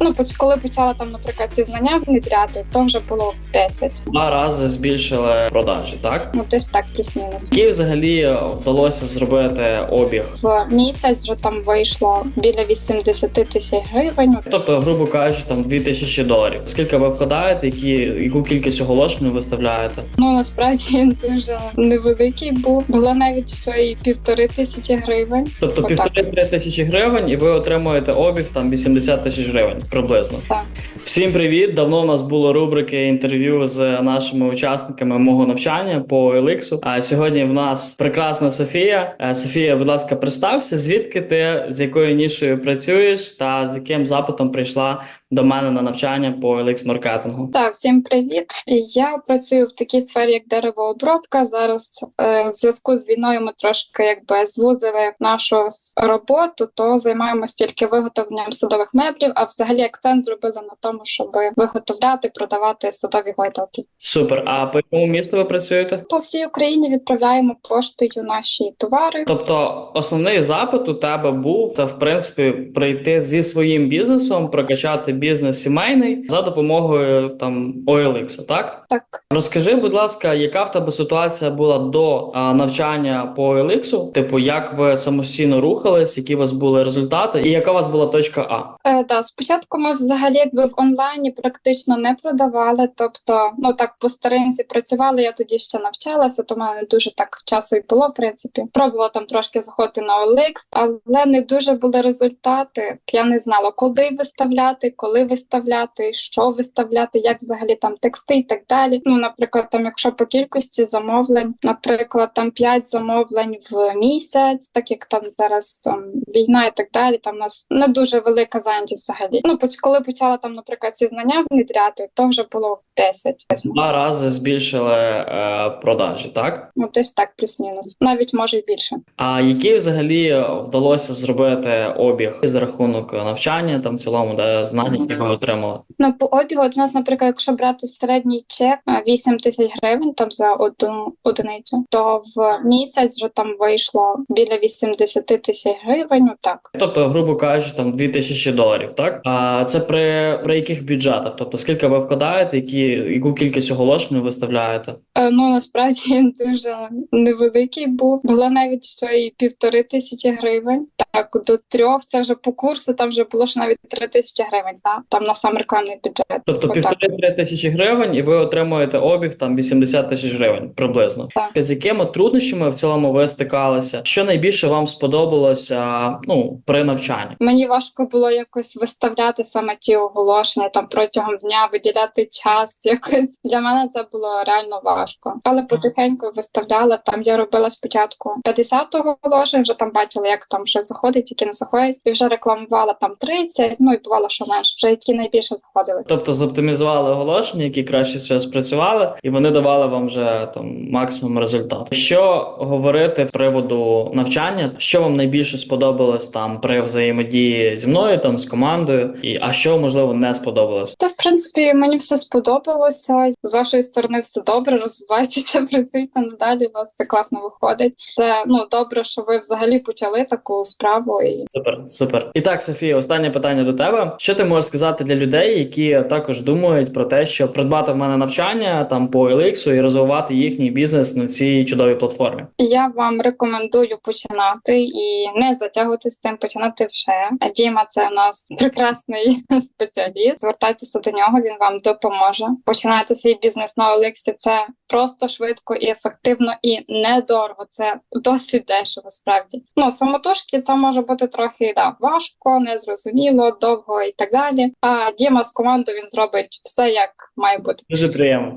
Коли почала там, наприклад, ці знання внедряти, то вже було 10. 2 рази збільшили продажі, так? Ну, десь так, плюс-мінус. Який взагалі вдалося зробити обіг? В місяць вже там вийшло біля 80 тисяч гривень. Тобто, грубо кажучи, там $2000. Скільки ви вкладаєте, яку кількість оголошень ви виставляєте? Ну, насправді він дуже невеликий був. Було навіть що і 1500 гривень. Тобто Отак. 1,5 тисячі гривень, і ви отримуєте обіг там 80 тисяч гривень приблизно. Так. Всім привіт! Давно в нас було рубрики інтерв'ю з нашими учасниками мого навчання по OLX. А сьогодні в нас прекрасна Софія. Софія, будь ласка, представся, звідки ти, з якою нішою працюєш та з яким запитом прийшла до мене на навчання по OLX-маркетингу. Так, всім привіт. Я працюю в такій сфері, як деревообробка. Зараз в зв'язку з війною ми трошки звузили нашу роботу, то займаємося тільки виготовленням садових меблів, а взагалі акцент зробили на тому, щоб виготовляти, продавати садові гойдалки. Супер. А по якому місту ви працюєте? По всій Україні відправляємо поштою наші товари. Тобто основний запит у тебе був це, в принципі, прийти зі своїм бізнесом, прокачати бізнес сімейний за допомогою там OLX, так? Так. Розкажи, будь ласка, яка в тебе ситуація була до навчання по OLX? Типу, як ви самостійно рухались, які у вас були результати, і яка у вас була точка А? Спочатку ми взагалі в онлайні практично не продавали, тобто, по старинці працювали, я тоді ще навчалася, то в мене не дуже так часу і було, в принципі. Пробувала там трошки заходити на OLX, але не дуже були результати. Я не знала, куди виставляти, коли виставляти, що виставляти, як взагалі там тексти і так далі. Наприклад, там, якщо по кількості замовлень, наприклад, там 5 замовлень в місяць, так як там зараз там війна і так далі, там у нас не дуже велика зайнятість взагалі. Коли почала там, наприклад, ці знання внедряти, то вже було 10. 2 рази збільшили продажі, так? Ну, десь так, плюс-мінус. Навіть може й більше. А який взагалі вдалося зробити обіг за рахунок навчання, там в цілому, де знання, які ви отримали? По обігу у нас, наприклад, якщо брати середній чек 8 тисяч гривень там за одну одиницю, то в місяць вже там вийшло біля 80 тисяч гривень, отак. Тобто, грубо кажучи, там $2000, так? А це при яких бюджетах? Тобто, скільки ви вкладаєте, яку кількість оголошень ви виставляєте? Насправді він дуже невеликий був. Було навіть що і 1500 гривень. Так, до 3 це вже по курсу, там вже було ж навіть 3000 гривень, так? Там на сам рекламний бюджет. Тобто 1,5-3 тисячі гривень, і ви отримуєте обіг там 80 тисяч гривень приблизно. Так. З якими труднощами в цілому ви стикалися? Що найбільше вам сподобалося при навчанні? Мені важко було якось виставляти саме ті оголошення там протягом дня, виділяти час. Якось для мене це було реально важко. Але потихеньку виставляла. Там я робила спочатку 50 оголошень, вже там бачила, як там вже заходить, які не заходять, і вже рекламувала там 30, і бувало, що менше, вже які найбільше заходили. Тобто зоптимізували оголошення, які краще всього спрацювали, і вони давали вам вже там максимум результату. Що говорити з приводу навчання? Що вам найбільше сподобалось там при взаємодії зі мною, там з командою, а що можливо не сподобалось? Та в принципі мені все сподобалося. З вашої сторони все добре, розвивайтеся, працюйте надалі. У вас все класно виходить. Це добре, що ви взагалі почали таку справу. І Супер. І так, Софія, останнє питання до тебе. Що ти можеш сказати для людей, які також думають про те, що придбати в мене навчання там по OLX і розвивати їхній бізнес на цій чудовій платформі? Я вам рекомендую починати і не затягувати з цим, починати вже. Діма – це у нас прекрасний спеціаліст. Звертайтеся до нього, він вам допоможе. Починайте свій бізнес на OLX – це просто, швидко і ефективно, і недорого. Це досить дешево, справді. Самотужки це може бути трохи важко, незрозуміло, довго і так далі. А Діма з командою, він зробить все, як має бути. Дуже приємно.